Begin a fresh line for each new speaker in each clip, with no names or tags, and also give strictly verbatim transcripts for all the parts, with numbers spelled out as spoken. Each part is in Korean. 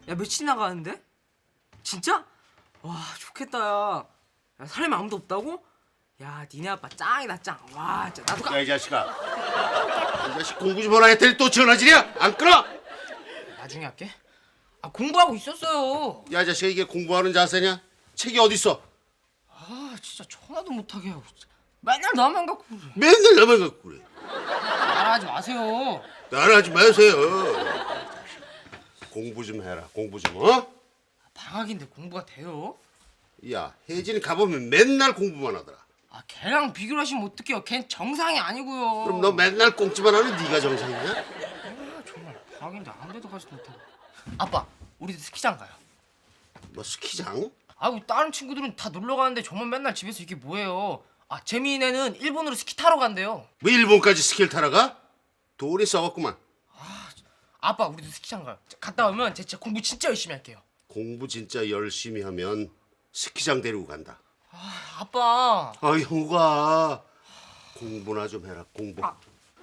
야, 며칠 나가는데? 진짜? 와, 좋겠다, 야. 야, 사람이 아무도 없다고? 야, 니네 아빠 짱이다, 짱. 와, 진짜 나도 가.
야, 이 자식아. 이 자식 공부 좀 하라 했더니 또 전화질이야? 안 끊어?
나중에 할게. 아, 공부하고 있었어요.
야, 이 자식아, 이게 공부하는 자세냐? 책이 어딨어?
아, 진짜 전화도 못하게 하고. 진짜. 맨날 나만 갖고 그래.
맨날 나만 갖고 그래.
말하지 마세요.
나라하지 마세요. 공부 좀 해라. 공부 좀, 어?
방학인데 공부가 돼요?
야, 혜진이 가보면 맨날 공부만 하더라.
아, 걔랑 비교를 하시면 어떡해요. 걘 정상이 아니고요.
그럼 너 맨날 꽁찌만 하는 네가 정상이냐?
아, 정말 방학인데 아무 데도 가지도 못하고. 아빠, 우리도 스키장 가요.
뭐 스키장?
아이고, 다른 친구들은 다 놀러 가는데 저만 맨날 집에서 이게 뭐예요. 아, 재민이네는 일본으로 스키 타러 간대요.
뭐 일본까지 스키를 타러 가? 돈이 써갖구만.
아빠, 우리도 스키장 가요. 갔다 오면 제 진짜 공부 진짜 열심히 할게요.
공부 진짜 열심히 하면 스키장 데리고 간다.
아, 아빠.
아, 형우가 공부나 좀 해라. 공부.
아.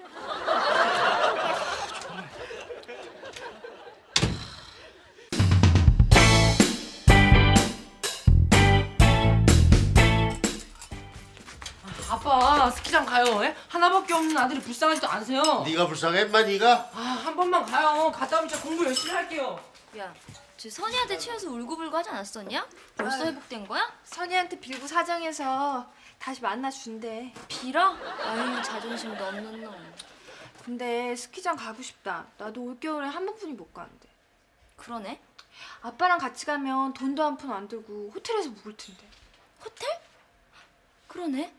아빠, 스키장 가요. 예? 하나밖에 없는 아들이 불쌍하지도 않으세요?
네가 불쌍해, 인마 네가?
아, 한 번만 가요. 갔다 오면 진짜 공부 열심히 할게요.
야, 쟤 선이한테 치여서 울고불고 하지 않았었냐? 벌써
아유.
회복된 거야?
선이한테 빌고 사정해서 다시 만나준대.
빌어? 아유, 자존심도 없는 놈.
근데 스키장 가고 싶다. 나도 올겨울에 한 번뿐이 못 가는데.
그러네.
아빠랑 같이 가면 돈도 한 푼 안 들고 호텔에서 묵을 텐데.
호텔? 그러네.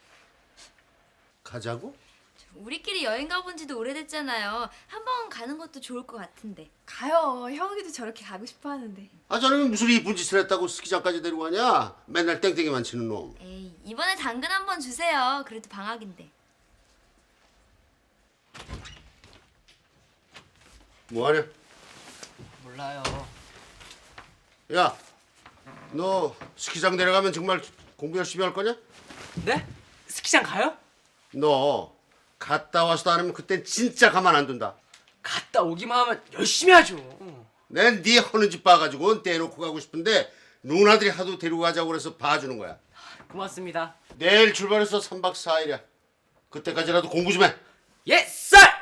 가자고?
우리끼리 여행 가본 지도 오래됐잖아요. 한 번 가는 것도 좋을 것 같은데.
가요. 형이도 저렇게 가고 싶어 하는데.
아, 저놈이 무슨 이쁜 짓을 했다고 스키장까지 데리고 가냐? 맨날 땡땡이만 치는 놈.
에이, 이번에 당근 한 번 주세요. 그래도 방학인데.
뭐하냐?
몰라요.
야, 너 스키장 데려가면 정말 공부 열심히 할 거냐?
네? 스키장 가요?
너 갔다 와서도 안 하면 그땐 진짜 가만 안 둔다.
갔다 오기만 하면 열심히 하죠.
난 네 하는 짓 봐가지고 떼놓고 가고 싶은데 누나들이 하도 데리고 가자고 그래서 봐주는 거야.
고맙습니다.
내일 출발해서 삼 박 사 일이야. 그때까지라도 공부 좀 해.
예, 쌀!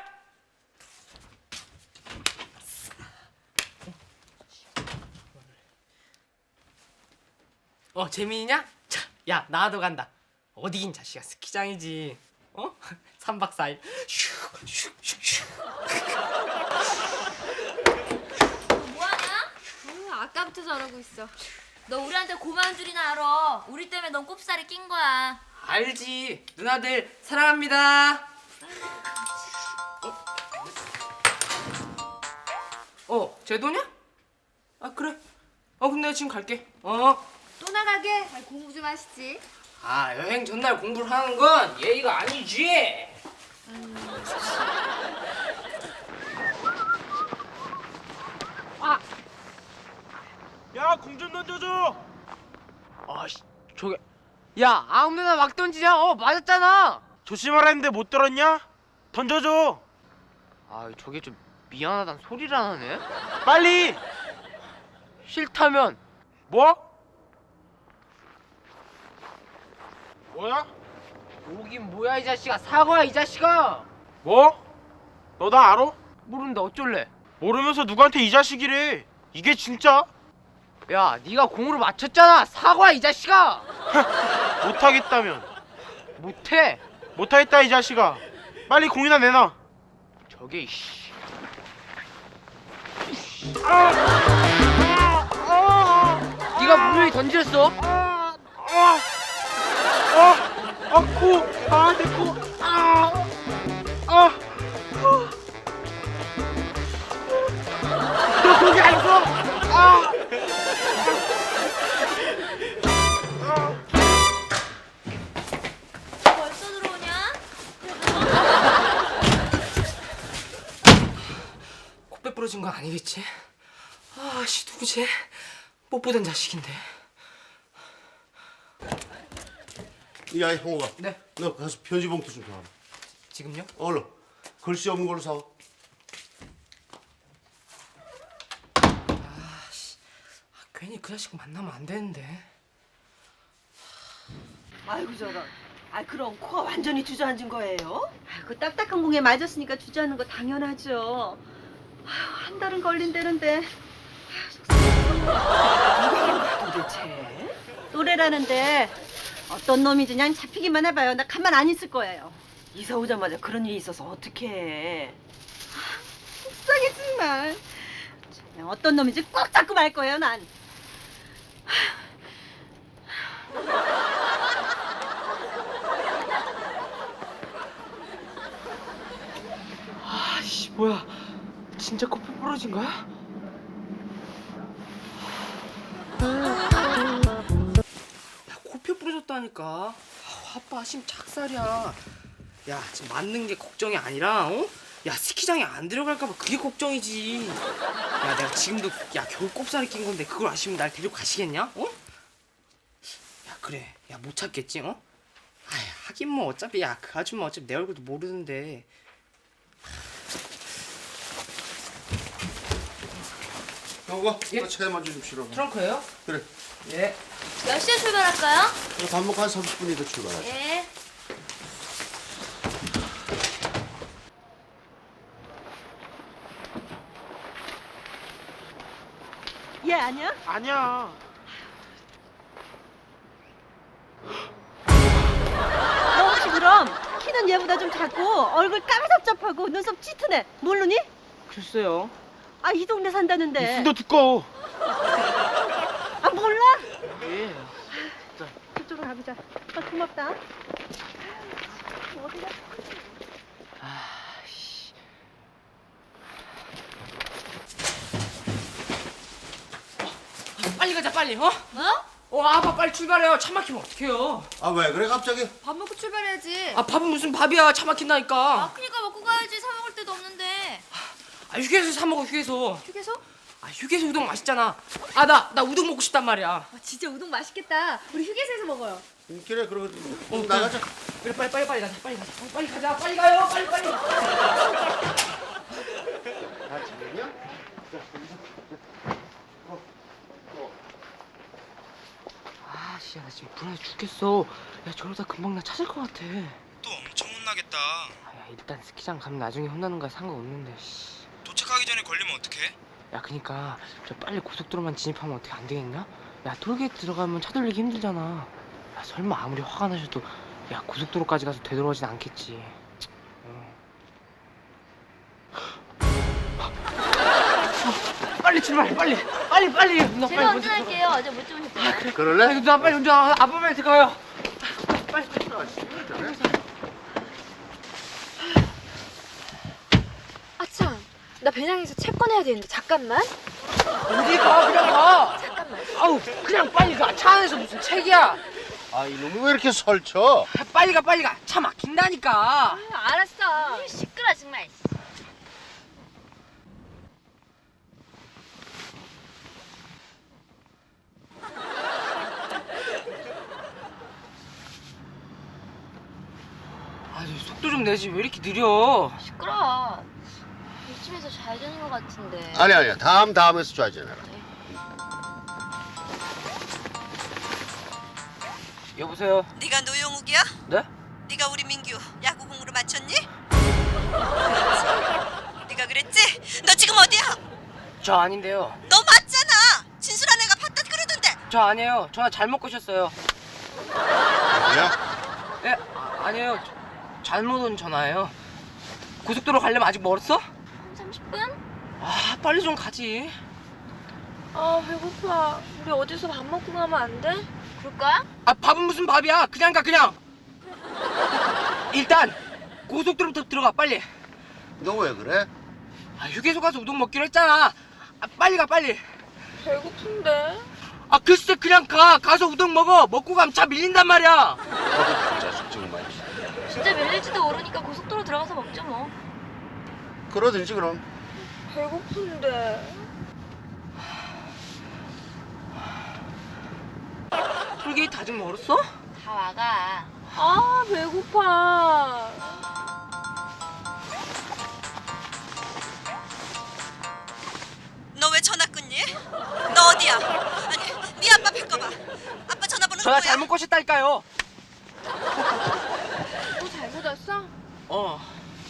어, 재민이냐? 자, 야, 나도 간다. 어디긴 자식아, 스키장이지. 어? 삼 박 사 일. 슉슉슉슉.
뭐하냐?
어, 아까부터 저러고 있어.
너 우리한테 고마운 줄이나 알아. 우리 때문에 넌 꼽살이 낀 거야.
알지. 누나들 사랑합니다. 어? 어, 제 돈이야? 아, 그래. 어, 근데 지금 갈게. 어.
또 나가게? 아, 공부 좀 하시지.
아, 여행 전날 공부를 하는 건 예의가 아니지.
야, 공 좀 던져줘.
아씨, 저게. 야, 아무데나 막 던지냐? 어, 맞았잖아.
조심하라 했는데 못 들었냐? 던져줘.
아, 저게 좀 미안하단 소리를 안 하네.
빨리.
싫다면.
뭐? 뭐야?
오긴 뭐야 이 자식아. 사과야 이 자식아.
뭐? 너 나 알아?
모르는데 어쩔래?
모르면서 누구한테 이 자식이래. 이게 진짜?
야, 네가 공으로 맞췄잖아. 사과 이 자식아.
못하겠다면
못해.
못하겠다 이 자식아. 빨리 공이나 내놔.
저게 씨. 네가 분명히 던졌어.
아, 아, 아, 아, 코, 아, 내 코, 아, 아, 너 거기 안 있어? 아,
벌써 들어오냐?
코빼 부러진 건 아니겠지? 아씨, 누구지? 못 보던 자식인데.
야, 형우가.
네.
너 가서 편지 봉투 좀 사와.
지금요?
얼른. 글씨 없는 걸로 사와.
아, 그 자식 만나면 안 되는데.
아이고 저런. 아 그럼 코가 완전히 주저앉은 거예요?
그 딱딱한 공에 맞았으니까 주저하는 거 당연하죠. 아유, 한 달은 걸린다는데
도대체?
또래라는데 어떤 놈인지 그냥 잡히기만 해봐요. 나 가만 안 있을 거예요.
이사 오자마자 그런 일이 있어서 어떡해.
속상해 정말. 참, 어떤 놈인지 꼭 잡고 말 거예요 난.
아씨 뭐야? 진짜 코피 부러진 거야? 야 코피 부러졌다니까. 아, 아빠 심 착살이야. 야 지금 맞는 게 걱정이 아니라 어? 야 스키장에 안 들어갈까봐 그게 걱정이지. 야 내가 지금도 야 겨우 꼽살이 낀 건데 그걸 아시면 날 데리고 가시겠냐? 어? 야 그래 야 못 찾겠지 어? 아이 하긴 뭐 어차피 야 그 아줌마 어차피 내 얼굴도 모르는데.
여보,
예?
나 차에 먼저 좀 실어.
트렁크예요?
그래.
예.
몇 시에 출발할까요?
그래, 밥 먹고 한 삼십 분이 더 출발하자.
예.
얘 아니야?
아니야.
너 혹시 그럼 키는 얘보다 좀 작고 얼굴 까매잡잡하고 눈썹 짙으네. 모르니?
글쎄요.
아 이 동네 산다는데.
입술도 두꺼워.
아 몰라?
예.
그쪽으로 가보자. 아, 고맙다. 어디가?
아씨. 빨리 가자 빨리 어?
어?
어 아빠 빨리 출발해요. 차 막히면 어떡해요?
아, 왜 그래, 갑자기?
밥 먹고 출발해야지.
아 밥은 무슨 밥이야? 차 막힌다니까.
아, 그니까 먹고 가야지. 사 먹을 데도 없는데.
아 휴게소 사 먹어 휴게소.
휴게소?
아 휴게소 우동 맛있잖아. 아 나 나 우동 먹고 싶단 말이야.
아, 진짜 우동 맛있겠다. 우리 휴게소에서 먹어요.
음, 그래, 그러면
어,
나가자.
그래 빨리 빨리 빨리 가자 빨리 가자 어, 빨리 가자 빨리 가요 빨리 빨리.
다 지냈냐?
아씨 나 지금 불안해 죽겠어. 야 저러다 금방 나 찾을 것 같아.
또 엄청 혼나겠다.
아, 야, 일단 스키장 가면 나중에 혼나는 거야 상관없는데. 씨.
도착하기 전에 걸리면 어떡해?
야 그니까 저 빨리 고속도로만 진입하면 어떻게 안 되겠냐? 야 톨게이트 들어가면 차 돌리기 힘들잖아. 야 설마 아무리 화가 나셔도 야 고속도로까지 가서 되돌아오진 않겠지. 어. 빨리 출발해 빨리 빨리 빨리 누나
제가
빨리 먼저
운전할게요. 어제 못 주무셨잖아요.
들어가.
그럴래?
아, 누나 빨리 운전 아빠 빨리 들어가요.
아참, 나 배낭에서 책 꺼내야 되는데 잠깐만.
어디 가 그냥 가.
잠깐만.
아우 그냥 빨리 가. 차 안에서 무슨 책이야.
아, 이놈이 왜 이렇게 설쳐?
아, 빨리 가 빨리 가. 차 막힌다니까.
아, 알았어.
시끄러 정말.
아 속도 좀 내지 왜 이렇게 느려?
시끄러. 이쯤에서 잘 되는 것 같은데.
아니, 아니야. 다음, 다음에서 좌전해라.
여보세요.
네가 노영욱이야?
네?
네가 우리 민규 야구공으로 맞췄니? 네가 그랬지? 너 지금 어디야?
저 아닌데요.
너 맞잖아. 진수란 애가 봤다 그러던데.
저 아니에요. 전화 잘못 거셨어요.
뭐야?
예? 아, 아니에요. 저- 잘못 온 전화예요. 고속도로 가려면 아직 멀었어?
삼십 분?
아 빨리 좀 가지.
아, 배고파. 우리 어디서 밥 먹고 가면 안 돼?
그럴까?
아 밥은 무슨 밥이야? 그냥 가 그냥. 일단 고속도로부터 들어가 빨리.
너 왜 그래?
아 휴게소 가서 우동 먹기로 했잖아. 아 빨리 가 빨리.
배고픈데.
아 글쎄 그냥 가. 가서 우동 먹어. 먹고 가면 차 밀린단 말이야.
어, 자식 정말.
진짜 밀릴지도 모르니까 고속도로 들어가서 먹죠 뭐.
그러든지 그럼.
배고픈데.
톨게이트 아직 멀었어?
다 와가.
아, 배고파.
너 왜 전화 끊니? 너 어디야? 아니 너는
전화
뭐야?
잘못 거셨다니까요.
뭐 잘못 왔어?
어.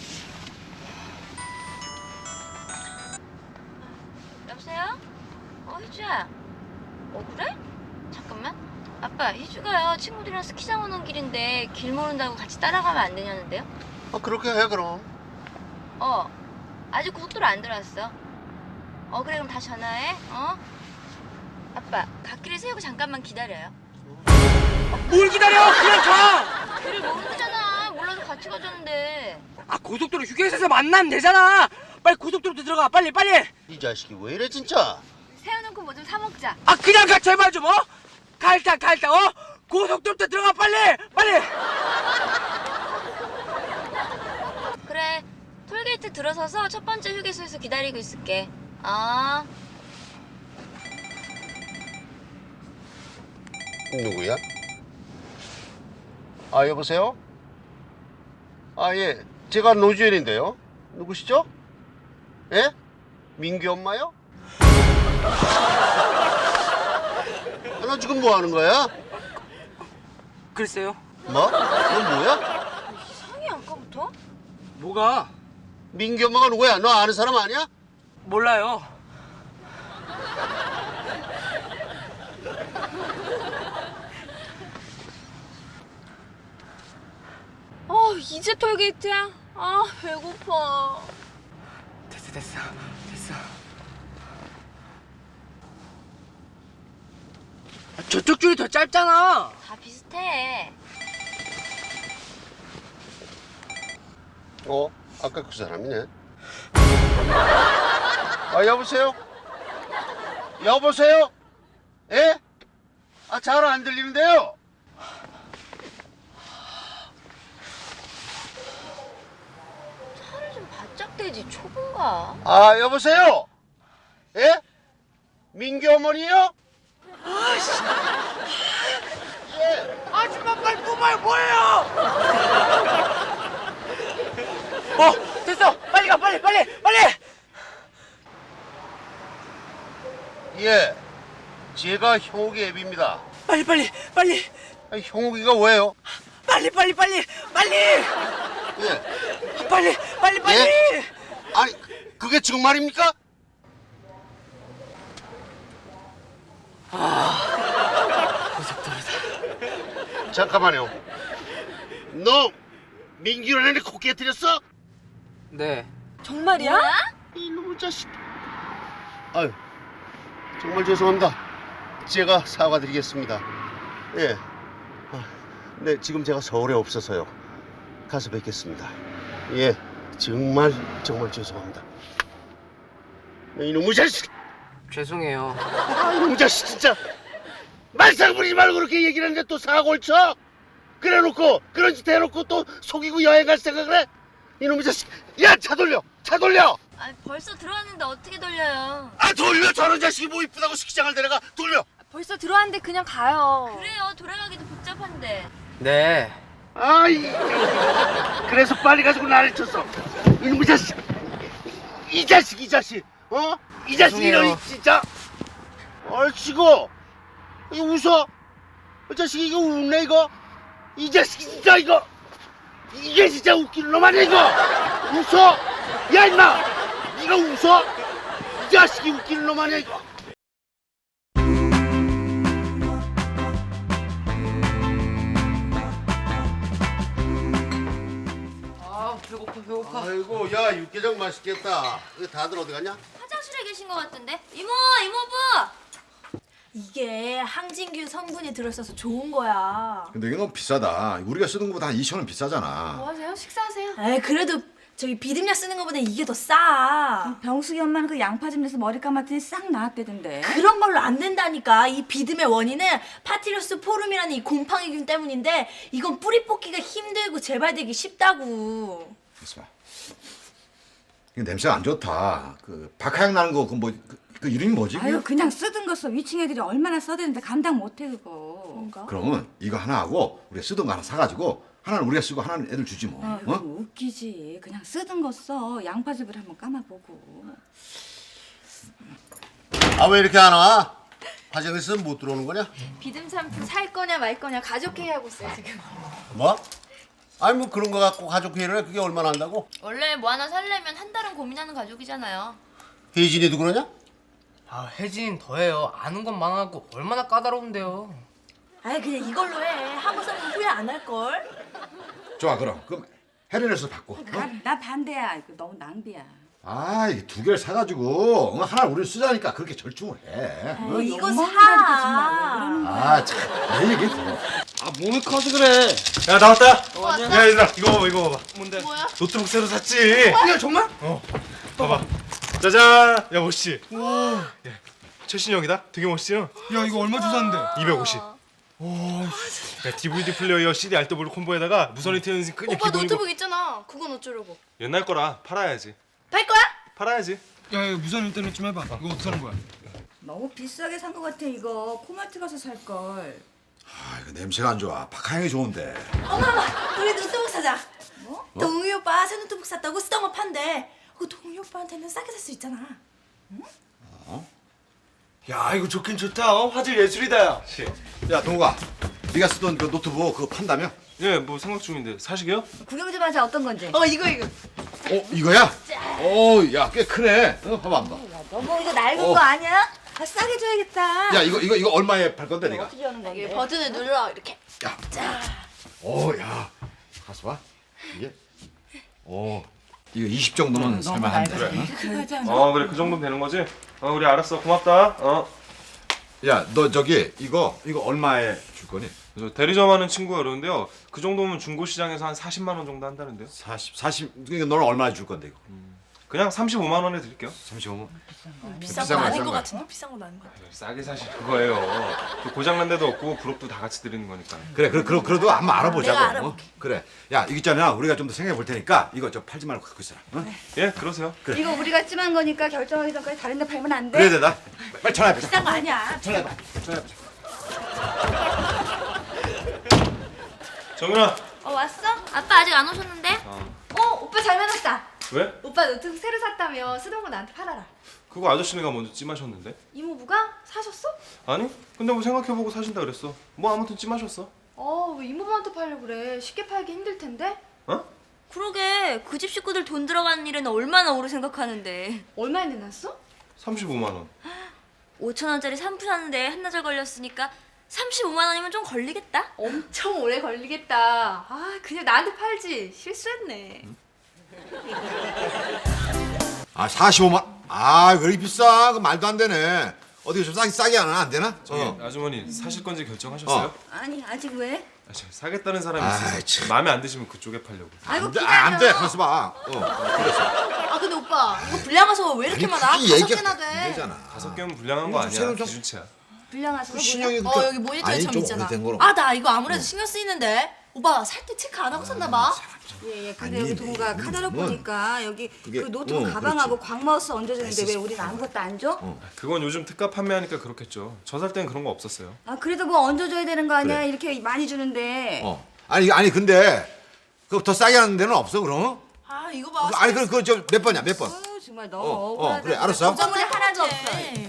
여보세요? 어, 희주야. 어, 그래? 잠깐만. 아빠, 희주가요. 친구들이랑 스키장 오는 길인데 길 모른다고 같이 따라가면 안 되냐는데요?
어, 그렇게 해 그럼.
어. 아직 고속도로 안 들어왔어. 어, 그래, 그럼 다시 전화해. 어? 아빠, 갓길을 세우고 잠깐만 기다려요.
뭘 기다려? 그냥 가.
길을 모르잖아. 몰라서 같이 가자는데.
아, 고속도로 휴게소에서 만나면 되잖아. 빨리 고속도로 들어가. 빨리 빨리.
이 자식이 왜 이래 진짜.
세워놓고 뭐 좀 사 먹자.
아, 그냥 가 제발 좀 어? 가 일단 가 일단 어? 고속도로 들어가 빨리 빨리.
그래, 톨게이트 들어서서 첫 번째 휴게소에서 기다리고 있을게. 아.
누구야? 아 여보세요? 아 예, 제가 노주현인데요. 누구시죠? 예? 민규 엄마요? 아, 너 지금 뭐 하는 거야?
글쎄요.
뭐? 너 뭐야?
이상해 아까부터?
뭐가?
민규 엄마가 누구야? 너 아는 사람 아니야?
몰라요.
어 이제 톨게이트야? 아 배고파.
됐어 됐어 됐어. 아, 저쪽 줄이 더 짧잖아.
다 비슷해.
어? 아까 그 사람이네. 아 여보세요? 여보세요? 예? 아 잘 안 들리는데요?
차를 좀 바짝 대지, 초보인가?
아 여보세요? 예? 민규 어머니요? 예.
아줌마 빨리 뽑아요. 뭐예요? 어 됐어. 빨리 가 빨리 빨리 빨리.
예. 제가 형욱이 애비입니다.
빨리 빨리 빨리
아니, 형욱이가 왜요?
빨리 빨리 빨리 빨리
예.
빨리 빨리 빨리.
예? 아니 그게 지금 말입니까?
고속도로다.
잠깐만요. 너 민규를 애네 코 깨뜨렸어?
네.
정말이야?
뭐야?
이놈의 자식. 아유 정말 죄송합니다. 제가 사과드리겠습니다. 예. 아, 네 지금 제가 서울에 없어서요. 가서 뵙겠습니다. 예. 정말 정말 죄송합니다. 이놈의 자식.
죄송해요.
아, 이놈의 자식 진짜. 말썽 부리지 말고 그렇게 얘기를 하는데 또 사고를 쳐? 그래놓고 그런 짓 해놓고 또 속이고 여행 갈 생각을 해? 이놈의 자식. 야 차 돌려. 차 돌려.
아, 벌써 들어왔는데 어떻게 돌려요?
아 돌려. 저런 자식이 뭐 이쁘다고 스키장을 데려가. 돌려.
벌써 들어왔는데 그냥 가요.
그래요, 돌아가기도 복잡한데.
네.
아이. 그래서 빨리 가지고 나를 쳤어. 이놈의 자식. 이 자식 이 자식. 어? 이 자식 이놈이 진짜. 얼씨구. 이거 웃어. 이 자식 이거 웃네 이거. 이 자식 진짜 이거. 이게 진짜 웃기는 놈 아니야 이거. 웃어. 야 임마. 네가 웃어. 이 자식이 웃기는 놈 아니야 이거.
아 배고파 배고파.
아이고 야 육개장 맛있겠다. 이거 다들 어디 갔냐?
화장실에 계신 것 같은데? 이모, 이모부!
이게 항진균 성분이 들어있어서 좋은 거야.
근데 이게 너무 비싸다. 우리가 쓰는 것보다 한 이천 원 비싸잖아.
뭐 하세요? 식사하세요?
에이 그래도 저기 비듬약 쓰는 거보다 이게 더 싸. 병숙이 엄마는 그 양파 좀 내서 머리 감았더니 싹 나았대던데. 그런 걸로 안 된다니까. 이 비듬의 원인은 파티러스 포름이라는 이 곰팡이균 때문인데 이건 뿌리 뽑기가 힘들고 재발되기 쉽다고.
그래서 이거 냄새가 안 좋다. 그 박하향 나는 거 그 뭐 그 이름이 뭐지?
아유 그냥 쓰던 거 써. 위층 애들이 얼마나 써대는데 감당 못해 그거. 뭔가?
그러면 이거 하나 하고 우리가 쓰던 거 하나 사가지고 하나는 우리가 쓰고 하나는 애들 주지 뭐.
아,
어?
웃기지. 그냥 쓰던 거 써. 양파즙을 한번 감아보고.
아 왜 이렇게 안 와? 화장실에서 못 들어오는 거냐?
비듬 샴푸 살 거냐 말 거냐 가족 회의 하고 있어요 지금.
뭐? 아니 뭐 그런 거 갖고 가족 회의를 해? 그게 얼마나 한다고?
원래 뭐 하나 살려면 한 달은 고민하는 가족이잖아요.
혜진이도 그러냐?
아 혜진 더해요. 아는 건 많아갖고 얼마나 까다로운데요.
아이 그냥 이걸로 해. 하고 살면 후회 안 할 걸.
좋아 그럼 그럼 헤르네스 바꿔. 어?
나, 나 반대야. 이거 너무 낭비야.
아 이게 두 개를 사가지고 어, 하나를 우리 쓰자니까 그렇게 절충을 해. 어?
어, 이거
뭐
사.
아참내 얘기 들어.
아 몸이 커서 그래. 야 나왔다. 야 얘들아 이거 봐봐 이거 봐봐. 뭔데? 노트북 새로 샀지.
야 정말?
어. 봐봐. 짜잔. 야 멋있지? 와. 야, 최신형이다. 되게 멋있지? 야 이거 얼마 주고 샀는데? 이백오십. 오. 야 디브이디 플레이어 씨디 알더블 콤보에다가 무선이 트는 그냥
오빠
기본이고.
노트북 있잖아. 그건 어쩌려고?
옛날 거라 팔아야지.
팔 거야?
팔아야지.
야 이거 무선 인터넷 좀 해봐. 이거 어떻게 하는 거야?
너무 비싸게 산 거 같아 이거. 코마트 가서 살 걸.
아 이거 냄새가 안 좋아. 박하영이 좋은데.
어머머, 우리 노트북 사자. 뭐? 동희 오빠 새 노트북 샀다고 쓰던 거 판대. 그 동희 오빠한테는 싸게 살 수 있잖아.
야 이거 좋긴 좋다. 어? 화질 예술이다. 야.
야 동욱아, 네가 쓰던 그 노트북 그거 판다며?
예, 뭐 생각 중인데 사시게요?
구경 좀 하자. 어떤 건지.
어 이거 이거.
어 이거야? 어, 야 꽤 크네. 어, 봐봐 한번.
너무 이거 낡은
어.
거 아니야? 아, 싸게 줘야겠다.
야 이거 이거 이거 얼마에 팔 건데 네가?
어떻게 하는 건데?
이게 버튼을 눌러 이렇게.
야. 오, 야. 가서 봐. 이게. 오. 이거 이십 정도면 살만한데.
그래. 하지 않아?
어 그래 그 정도면 되는 거지? 어 우리 알았어 고맙다. 어.
야, 너 저기 이거 이거 얼마에 줄 거니?
그래서 대리점 하는 친구가 그러는데요. 그 정도면 중고 시장에서 한 사십만 원 정도 한다는데요.
사십, 사십. 그러니까 너는 얼마에 줄 건데 이거?
그냥 삼십오만 원에 드릴게요.
삼십오만.
비싼
비싼
거
거
아닌
비싼
것
거야.
같은데 비싼 건 아닌 것 같아.
싸게 사시는 거예요. 또 고장난 데도 없고 부록도 다 같이 드리는 거니까.
그래, 그래, 그래, 그래도 한번 알아보자고.
내가 알아볼게.
어? 그래. 야, 이거 있잖아. 우리가 좀 더 생각해 볼 테니까 이거 저 팔지 말고 갖고 있어라. 어?
예 그러세요.
이거 우리가 찜한 거니까 결정하기 전까지 다른 데 팔면 안 돼?
그래, 되다. 빨리 전화해.
비싼 거 아니야.
전화해봐. 전화해봐.
정윤아.
어 왔어? 아빠 아직 안 오셨는데?
어 오빠 잘 만났다.
왜?
오빠 노트북 새로 샀다며 쓰던 거 나한테 팔아라.
그거 아저씨네가 먼저 찜하셨는데?
이모부가 사셨어?
아니? 근데 뭐 생각해보고 사신다 그랬어. 뭐 아무튼 찜하셨어.
어 왜 이모부한테 팔려 그래? 쉽게 팔기 힘들 텐데.
어?
그러게 그 집 식구들 돈 들어가는 일에는 얼마나 오래 생각하는데.
얼마에 내놨어?
삼십오만 원.
오천 원짜리 샴푸 사는데 한나절 걸렸으니까 삼십오만 원이면 좀 걸리겠다.
엄청 오래 걸리겠다. 아 그냥 나한테 팔지. 실수했네.
아, 사십오만. 아, 왜 이렇게 비싸? 그 말도 안 되네. 어디 좀 싸게 싸게 하나 안 되나?
저기
어.
아주머니 사실 건지 결정하셨어요?
어.
아니 아직 왜?
아, 저 사겠다는 사람이
아이,
있어서
참.
마음에 안 드시면 그쪽에 팔려고.
아이고
안 돼,
기다려.
아, 안 돼. 가서 봐. 어.
아 근데 오빠 이거
불량화서 왜 이렇게
아니,
많아?
그게
다섯
얘기가
개나 돼.
안 되잖아.
다섯 개면 불량한 거
음,
아니야.
새로 좀-
기준치야.
불량화서
신형이
뭐야?
그러니까
어 여기 모니터에
아니,
점
좀
있잖아.
오래된 거로.
아 나 이거 아무래도 신경 쓰이는데. 오빠 살 때 체크 안 하고 샀나 봐. 예예. 근데
아니,
여기 동우가
뭐,
카talog
뭐.
보니까 여기
그게-
그 노트북
어,
가방하고 광마우스 얹어주는데 왜
에스에스.
우리는 아무것도 안 줘?
그건 요즘 특가 판매하니까 그렇겠죠. 저 살 때는 그런 거 없었어요.
아 그래도 뭐 얹어줘야 되는 거 아니야?
그래.
이렇게 많이 주는데.
어. 아니, 아니 근데 그 더 싸게 하는 데는 없어, 그럼?
아 이거 봐.
아니, 그럼 그거 저 몇 번이야? 몇 번?
아유, 정말 너무
어, 어,
억울하다.
그래, 알았어.
고정물이 하나도 없어.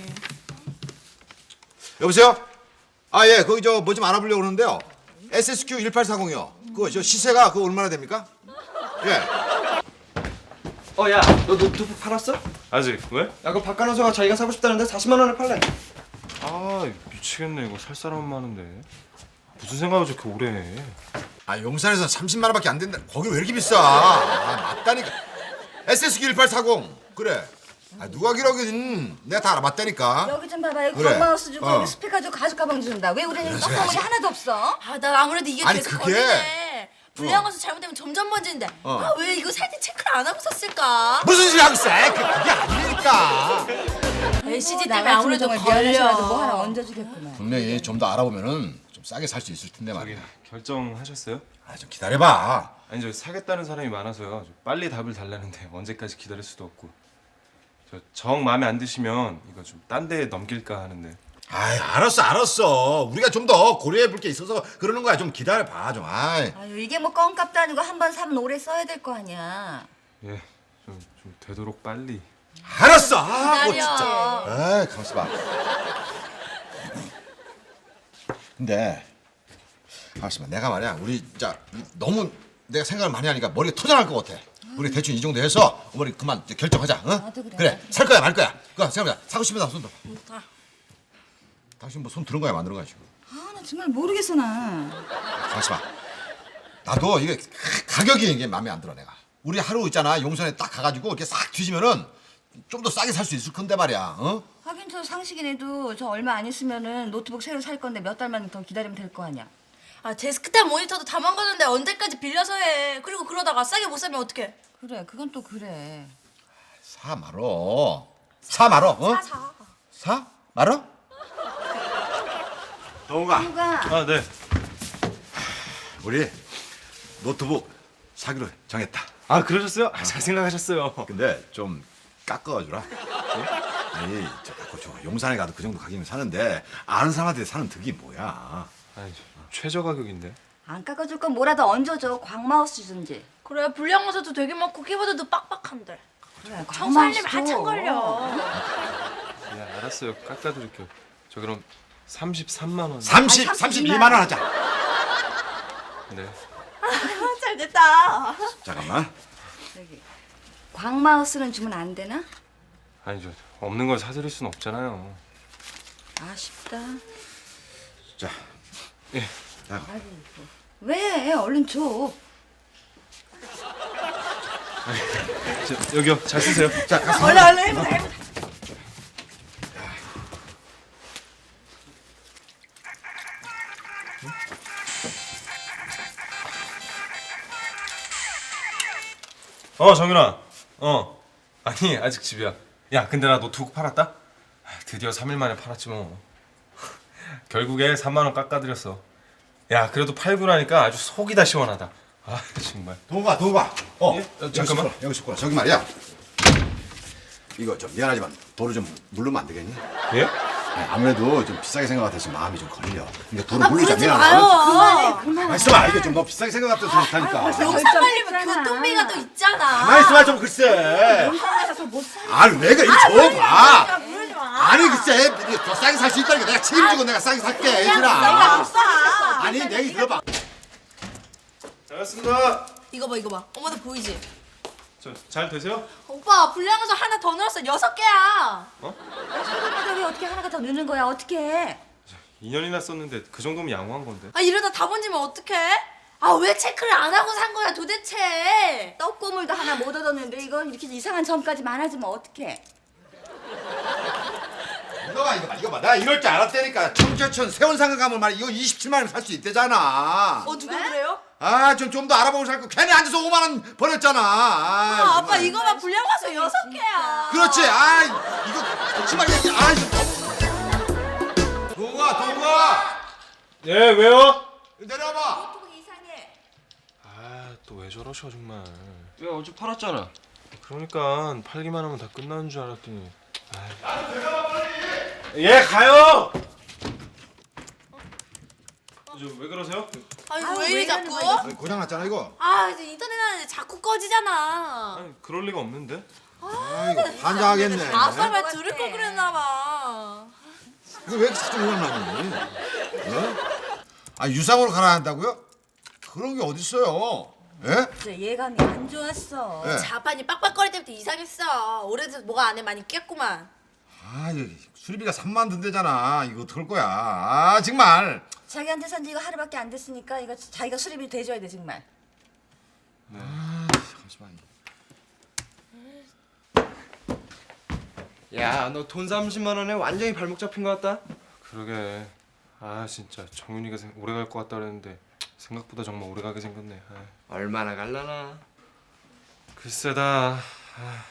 여보세요? 아, 예. 거기 저 뭐 좀 알아보려고 그러는데요. 에스에스큐 일팔사공이요. 그거 저 시세가 그거 얼마나 됩니까? 예.
어, 야, 너 노트북 팔았어? 야,
아직 왜?
그 박간호사가 자기가 사고 싶다는데 사십만 원에 팔래.
아 미치겠네 이거 살 사람 많은데. 무슨 생각을 저렇게 오래 해.
아, 용산에서 삼십만 원밖에 안 된다. 거기 왜 이렇게 비싸? 아, 맞다니까. 에스에스큐 일팔사공. 그래. 아, 누가 기록이든 내가 다 알아봤다니까.
여기 좀 봐봐. 여기
그래.
광마우스 주고
어.
여기 스피커 주고 가죽 가방 준다. 왜 우리는
그래,
떡고물이
그래야지.
하나도 없어?
아 나 아무래도 이게
아니,
계속
그게-
걸리네. 불량화서 잘못되면 점점 번지는데.
어.
아 왜 이거 살 때 체크를 안 하고 샀을까?
무슨 소리 하고 있어? 그- 그게 아니니까.
엘시디
나
때문에 아무래도
미안해서라도 뭐
걸려.
하나 얹어주겠구만.
분명히 좀 더 알아보면은 좀 싸게 살 수 있을 텐데
저기
말이야.
결정하셨어요?
아, 좀 기다려봐.
아니 저 사겠다는 사람이 많아서요. 저 빨리 답을 달라는데 언제까지 기다릴 수도 없고. 저 정 마음에 안 드시면 이거 좀 딴 데 넘길까 하는데.
아이, 알았어, 알았어. 우리가 좀 더 고려해 볼 게 있어서 그러는 거야. 좀 기다려봐, 좀. 아이.
아유 이게 뭐 껌값도 아니고 한 번 사면 오래 써야 될 거 아니야.
예, 좀, 좀 되도록 빨리.
알았어. 아, 뭐
기다려.
진짜. 아이, 가만있어 봐. 근데 잠시만 내가 말이야 우리 진짜 너무 내가 생각을 많이 하니까 머리가 터져날 것 같아. 우리 대충 이 정도 해서 어머니 그만 이제 결정하자. 응?
나도 그래,
그래
나도
살 거야 말 거야. 그거 생각해보자. 사고 싶으면 손 들어.
다.
당신 뭐 손 들은 거야 만든 거야 지금.
아, 나 정말 모르겠어 나.
잠시만. 나도 이게 가- 가격이 이게 마음에 안 들어 내가. 우리 하루 있잖아 용산에 딱 가가지고 이렇게 싹 뒤지면은 좀 더 싸게 살 수 있을 건데 말이야. 어?
하긴 저 상식이네도 저 얼마 안 있으면은 노트북 새로 살 건데 몇 달만 더 기다리면 될 거 아니야.
아 데스크탑 모니터도 다 망가졌는데 언제까지 빌려서 해. 그리고 그러다가 싸게 못 사면 어떡해.
그래, 그건 또 그래.
사 말어. 사 말어. 어?
사 사.
사? 말어? 동우가.
아 네.
우리 노트북 사기로 정했다.
아 그러셨어요? 아, 잘 생각하셨어요.
근데 좀 깎아주라. 네? 아니 저 갖고 저 용산에 가도 그 정도 가격이면 사는데 아는 사람한테 사는 득이 뭐야?
아니 최저 가격인데.
안 깎아줄 건 뭐라도 얹어줘. 광마우스 주든지.
그래 불량화사도 되게 많고 키보드도 빡빡한데.
그래,
청소하려면
광마우스
한참
줘.
걸려.
네 알았어요. 깎아드릴게요. 저 그럼 삼십삼만 원.
삼십, 삼십이만 원 하자.
네.
잘 됐다.
잠깐만.
저기 광마우스는 주면 안 되나?
아니 저 없는 걸 사드릴 순 없잖아요.
아쉽다.
자,
예.
자,
왜? 얼른 줘.
저, 여기요. 잘 쓰세요.
자, 가서.
얼른 얼른 해보자 해보자.
어 정윤아. 어. 아니 아직 집이야. 야 근데 나 노트북 팔았다. 아, 드디어 삼 일 만에 팔았지 뭐. 결국에 삼만 원 깎아드렸어. 야 그래도 팔고 나니까 아주 속이 다 시원하다. 아 정말.
동우가, 동우가. 어,
예? 어,
여기
잠깐만.
있어라, 여기 있어라. 저기 말이야. 이거 좀 미안하지만 도로 좀 물르면 안 되겠니?
예?
아니, 아무래도 좀 비싸게 생각같아서 마음이 좀 걸려. 그러니까 도로
아
물리자
그러지
미안하다.
마요.
가만 있어봐. 이거 좀 너 비싸게 생각같아서 좋다니까.
용산 살려면 교통비가 또 있잖아.
가만 있어봐 좀 글쎄.
용산에서 더못 사.
아니 내가 이거 줘봐.
그러지 마.
아니 글쎄 이거 더 싸게 살 수 있다니까. 내가 책임지고 내가 싸게 살게 애들아.
싸.
아니 내 얘기 들어봐.
잘했습니다.
이거 봐 이거 봐. 엄마도 보이지?
저 잘 되세요?
오빠 불량화사 하나 더 넣었어. 여섯 개야.
가격이 어떻게 하나가 더 느는 거야? 어떻게 해?
이 년이나 썼는데 그 정도면 양호한 건데.
아 이러다 다 번지면 어떡해? 아 왜 체크를 안 하고 산 거야 도대체?
떡고물도 하나 못 얻었는데 이거 이렇게 이상한 점까지 많아지면 어떡해?
이거 봐 이거 봐 이거 봐. 나 이럴 줄 알았다니까. 청계천 세원상가 가면 말이야 이거 이십칠만 원에 살 수 있대잖아.
어 누가 그래요?
아 좀 좀 더 알아보고 살 거 괜히 앉아서 오만 원 버렸잖아. 아,
아 아빠
정말.
이거 봐 불량화사 여섯 개야.
그렇지. 아 이거 정말 얘기. 아 이거. 동우가 동우가
예 왜요?
내려와봐.
노트북 이상해.
아 또 왜 저러셔 정말.
왜 어제 팔았잖아.
그러니까 팔기만 하면 다 끝나는 줄 알았더니. 예 가요. 저 왜 그러세요?
아니
아유,
왜
왜
이래
이러는
자꾸?
거야,
아니, 고장 났잖아 이거.
아 이제 인터넷 하는데 자꾸 꺼지잖아.
아니 그럴 리가 없는데.
아 이거 반장하겠네.
아빠 말 들을 걸 그랬나 봐.
이거 왜 이렇게 자꾸 오만 나니? 어? 아 유상으로 가라 한다고요? 그런 게 어딨어요? 예?
저 예감이 안 좋았어.
예.
자판이 빡빡거릴 때부터 이상했어. 오래돼서 뭐가 안에 많이 꼈구만.
아 이거 수리비가 삼만 든대잖아. 이거 어떡할 거야? 아 정말.
자기한테 산 지 이거 하루밖에 안 됐으니까 이거 자기가 수리비 대줘야 돼 정말.
아 잠시만.
야, 너 돈 삼십만 원에 완전히 발목 잡힌 것 같다.
그러게. 아 진짜 정윤이가 생- 오래 갈 것 같다 그랬는데 생각보다 정말 오래 가게 생겼네. 아,
얼마나 갈라나.
글쎄다. 아.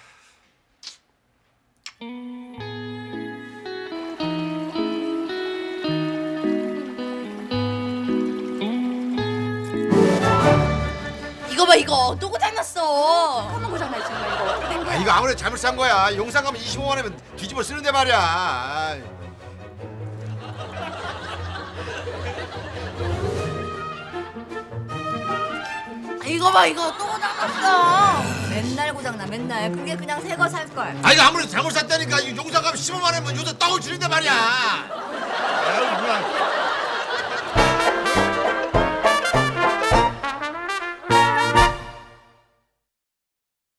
이거 봐 이거 또 고장났어.
한번 고장나 정말 이거 어떻게 된
아
거야?
이거 아무래도 잘못 산 거야. 용산 가면 이십오만 원이면 뒤집어 쓰는데 말이야. 아이.
이거 봐 이거 또 고장났어.
맨날 고장나 맨날. 그게 그냥 새 거 살 걸.
아 이거 아무래도 잘못 샀다니까. 이 용산 가면 십오만 원이면 요새 떡을 치는데 말이야. 아유, 그냥.